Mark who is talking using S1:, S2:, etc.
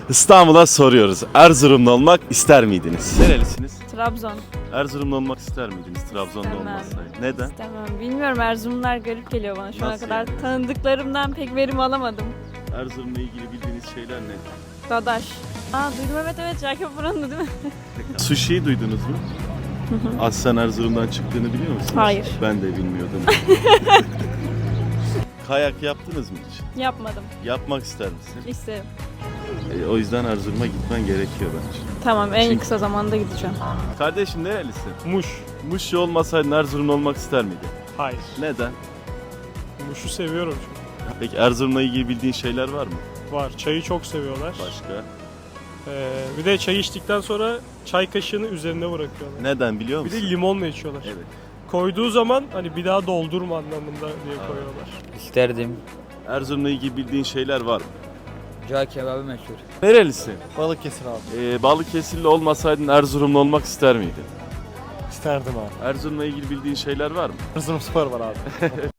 S1: İstanbul'a soruyoruz. Erzurumlu olmak ister miydiniz? Nerelisiniz?
S2: Trabzon.
S1: Erzurumlu olmak ister miydiniz? Trabzon'da
S2: İstemem.
S1: olmasaydı. Neden?
S2: İstemem. Bilmiyorum, Erzurumlar garip geliyor bana. Şu ana
S1: Nasıl
S2: kadar
S1: yani?
S2: tanıdıklarımdan pek verim alamadım.
S1: Erzurum'la ilgili bildiğiniz şeyler ne?
S2: Dadaş. Duydum, evet. Jacob buranın değil mi?
S1: Sushi'yi duydunuz mu? Aslen Erzurum'dan çıktığını biliyor musunuz?
S2: Hayır.
S1: Ben de bilmiyordum. Kayak yaptınız mı hiç?
S2: Yapmadım.
S1: Yapmak ister misin?
S2: İsterim.
S1: O yüzden Erzurum'a gitmen gerekiyor bence.
S2: Tamam, en kısa zamanda gideceğim.
S1: Kardeşim nerelisin?
S3: Muş.
S1: Muşlu olmasaydın Erzurumlu olmak ister miydin?
S3: Hayır.
S1: Neden?
S3: Muş'u seviyorum çünkü.
S1: Peki Erzurum'la ilgili bildiğin şeyler var mı?
S3: Var. Çayı çok seviyorlar.
S1: Başka?
S3: Bir de çay içtikten sonra çay kaşığını üzerine bırakıyorlar.
S1: Neden biliyor
S3: Bir
S1: musun?
S3: de limonla içiyorlar.
S1: Evet.
S3: Koyduğu zaman hani bir daha doldurma anlamında diye koyuyorlar.
S4: İsterdim.
S1: Erzurum'la ilgili bildiğin şeyler var mı?
S4: Cağ kebabı meşhur.
S1: Nerelisin?
S5: Balıkesir abi.
S1: Balıkesirli olmasaydın Erzurumlu olmak ister miydin?
S5: İsterdim abi.
S1: Erzurum'la ilgili bildiğin şeyler var mı?
S5: Erzurumspor var abi.